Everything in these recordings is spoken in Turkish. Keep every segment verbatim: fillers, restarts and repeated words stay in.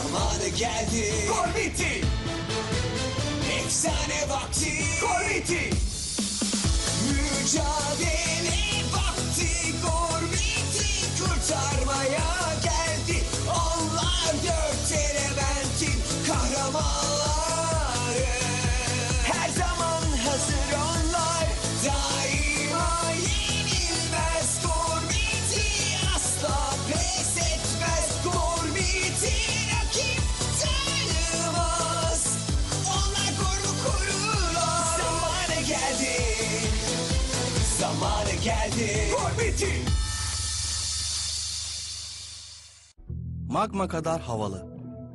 Zamanı geldi. Gormiti! Efsane vakti. Gormiti! Mücadele vakti. Gormiti kurtarmaya geldi. Onlar dört elementin kahramanları. Her zaman hazır onlar. Daima yenilmez. Gormiti asla pes etmez. Gormiti rakip tanımaz. Onlar koru korurlar. Zamanı geldi. Zamanı geldi. Gormiti! Magma kadar havalı.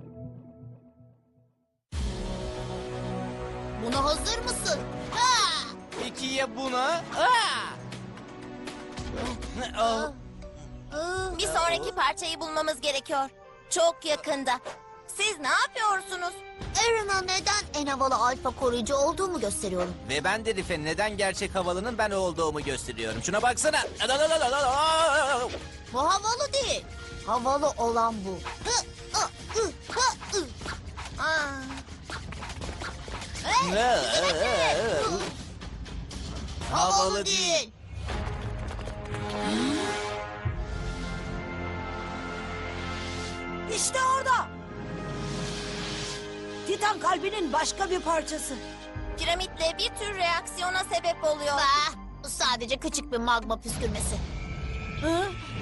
Buna hazır mısın? Ha! Peki ya buna? Aa! Aa! Bir sonraki parçayı bulmamız gerekiyor. Çok yakında. Siz ne yapıyorsunuz? Aaron'a neden en havalı alfa koruyucu olduğumu gösteriyorum. Ve ben de Rif'e neden gerçek havalının ben olduğumu gösteriyorum. Şuna baksana. Bu havalı değil. Havalı olan bu. Hı, hı, hı, hı, hı. Aa. Hey, bırakın. Havalı değil. İşte orada. Titan kalbinin başka bir parçası. Piramitle bir tür reaksiyona sebep oluyor. Bah, bu sadece küçük bir magma püskürmesi. Hı?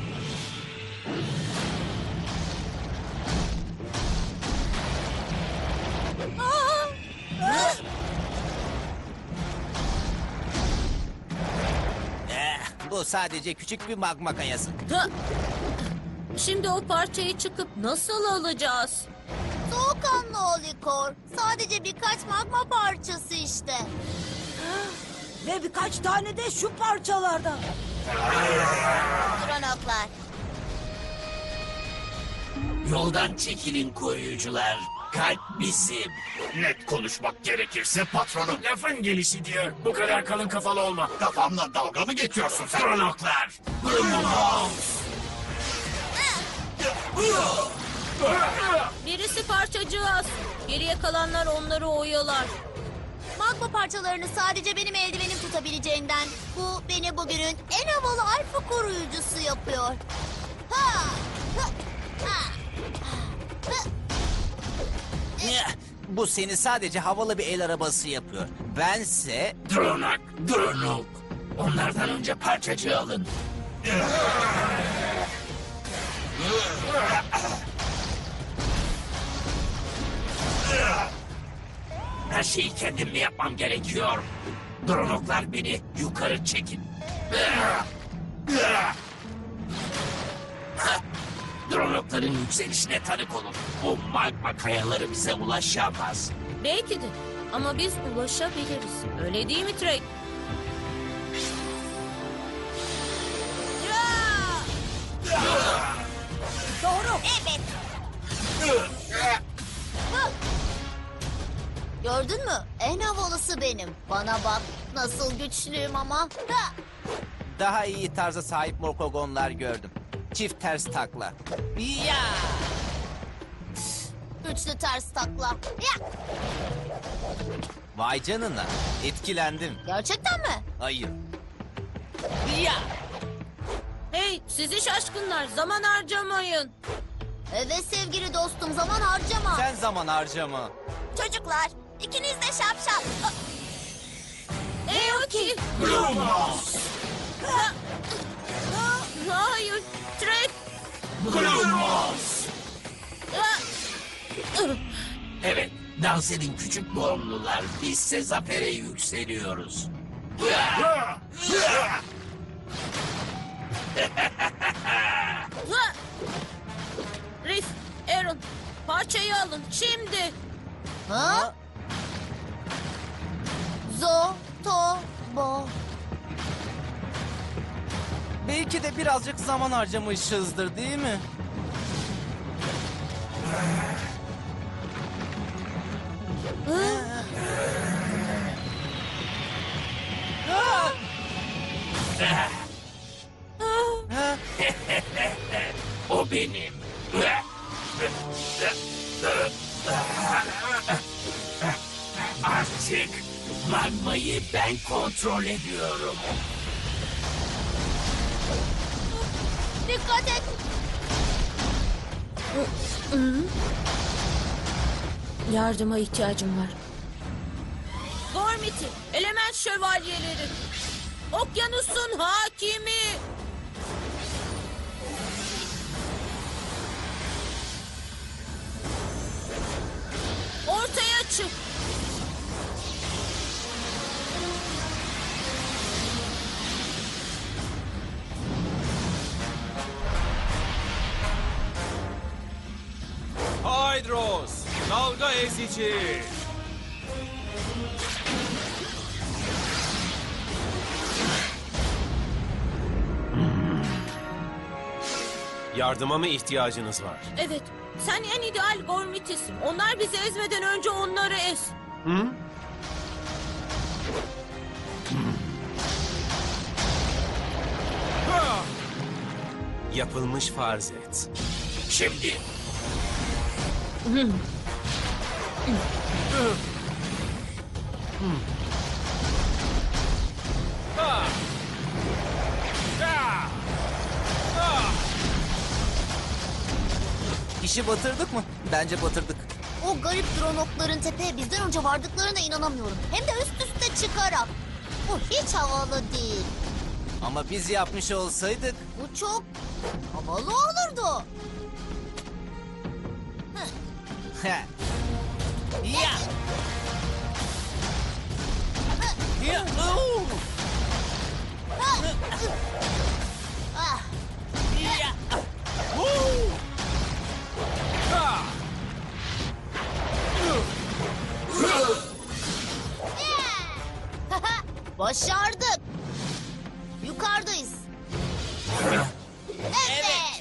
Aa! Aa! Eh, Bu sadece küçük bir magma kayası. Ha! Şimdi o parçayı çıkıp nasıl alacağız? Soğukkanlı ol Likor. Sadece birkaç magma parçası işte. Ve birkaç tane de şu parçalardan. Kronoklar. Yoldan çekilin koruyucular. Kalp bizim. Net konuşmak gerekirse patronum lafın gelişi diyor. Bu kadar kalın kafalı olma. Kafamla dalga mı geçiyorsun sen? Kronoklar. Birisi parçacığız. Geriye kalanlar onları oyalar. Magma parçalarını sadece benim eldivenim tutabileceğinden bu beni bugünün en havalı alfa koruyucusu yapıyor. Ha! Hı! Ha! Hı! Eh, Bu seni sadece havalı bir el arabası yapıyor. Bense... Dronak, Dronok. Onlardan önce parçacığı alın. Her şeyi kendim mi yapmam gerekiyor? Dronoklar beni yukarı çekin. Dronokların yükselişine tanık olun. O magma kayaları bize ulaşamaz. Belki de. Ama biz ulaşabiliriz. Öyle değil mi Trey? Doğru. Evet. Hı! Gördün mü? En havalısı benim. Bana bak. Nasıl güçlüyüm ama. Ha! Daha iyi tarza sahip morkogonlar gördüm. Çift ters takla. Ya! Güçlü ters takla. Ya! Vay canına. Etkilendim. Gerçekten mi? Hayır. Ya! Hey sizi şaşkınlar zaman harcamayın. Evet sevgili dostum, zaman harcama. Sen zaman harcama. Çocuklar, ikiniz de şapşal. Ne o ki? Ha! Hayır. Trey. Ha! Evet, dans edin küçük boğumlular. Bizse zafere yükseliyoruz. Ha! Rif, Aaron, parçayı alın şimdi. Ha? Zo, to, bo. Belki de birazcık zaman harcamışızdır değil mi? O benim. Artık magmayı ben kontrol ediyorum. Dikkat et. Yardıma ihtiyacım var. Gormiti, element şövalyeleri. Okyanusun hakimi. Ortaya çık. Hydros, dalga ezici. Yardıma mı ihtiyacınız var? Evet, sen en ideal Gormiti'sin. Onlar bizi ezmeden önce onları ez. Hı? Ha! Yapılmış farz et. Şimdi Ha! Ha! Ha! İşi batırdık mı? Bence batırdık. O garip dronokların tepeye bizden önce vardıklarına inanamıyorum. Hem de üst üste çıkarak. Bu hiç havalı değil. Ama biz yapmış olsaydık... Bu çok havalı olurdu. Heh. Ya! Ya! Oo! Ah, Ya! Ha! başardık. Yukarıdayız. Evet.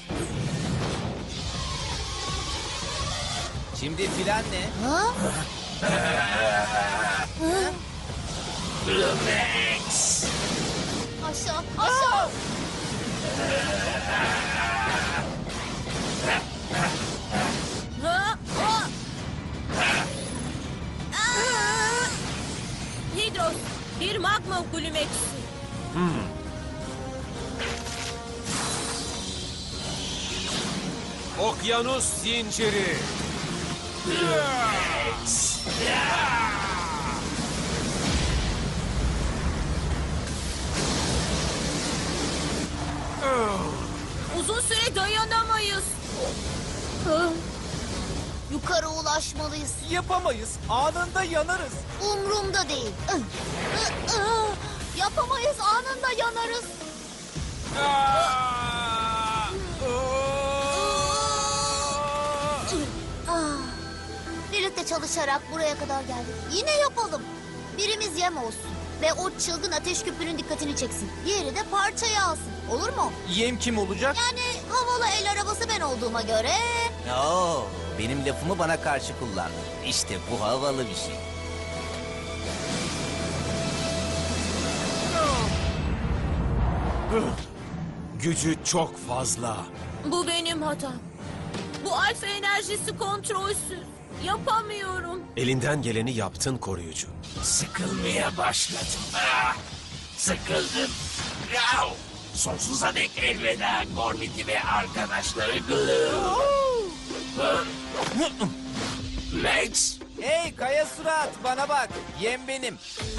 Şimdi filan ne? Ha? Lumex. Aşağı, aşağı. Ha? Ha? Aa! Hidros, bir magma glumeksi. Okyanus zinciri. Uzun süre dayanamayız. Yukarı ulaşmalıyız. Yapamayız. Anında yanarız. Umrumda değil. Yapamayız, anında yanarız. Ah, birlikte çalışarak buraya kadar geldik. Yine yapalım. Birimiz yem olsun. Ve o çılgın ateş küpünün dikkatini çeksin. Diğeri de parçayı alsın. Olur mu? Yem kim olacak? Yani havalı el arabası ben olduğuma göre... Oo, benim lafımı bana karşı kullan. İşte bu havalı bir şey. Gücü çok fazla. Bu benim hatam. Bu alfa enerjisi kontrolsüz. Yapamıyorum. Elinden geleni yaptın koruyucu. Sıkılmaya başladım. Ah, sıkıldım. Yav! Sonsuza dek elveda Gormiti ve arkadaşları Glue. Lex, Hey kaya surat bana bak. Yem benim.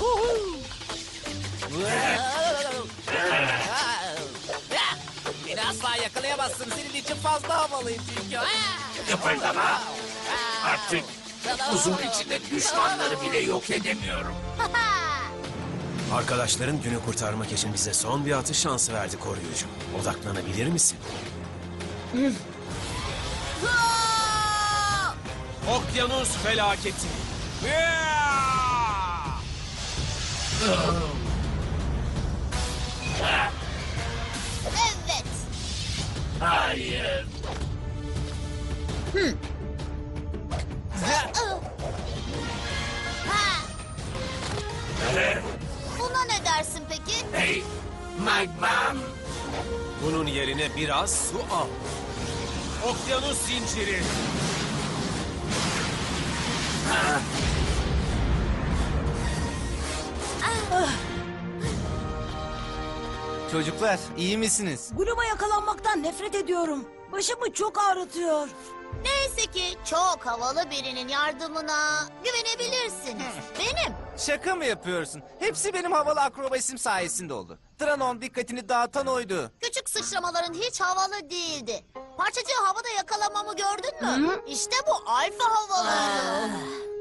Beni asla yakalayamazsın. Senin için fazla havalıyım çünkü. kıpırdama. Artık buzun içinde düşmanları bile yok edemiyorum. Arkadaşların günü kurtarmak için bize son bir atış şansı verdi koruyucu. Odaklanabilir misin? Okyanus felaketi. Evet. Hayır. Ha. Buna ne dersin peki? Hey, magmam. Bunun yerine biraz su al. Okyanus zinciri. Çocuklar iyi misiniz? Bloom'a yakalanmaktan nefret ediyorum. Başımı çok ağrıtıyor. Neyse ki çok havalı birinin yardımına güvenebilirsiniz. Benim. Şaka mı yapıyorsun? Hepsi benim havalı akrobasim sayesinde oldu. Tranon dikkatini dağıtan oydu. Küçük sıçramaların hiç havalı değildi. Parçacığı havada yakalamamı gördün mü? İşte bu alfa havaları.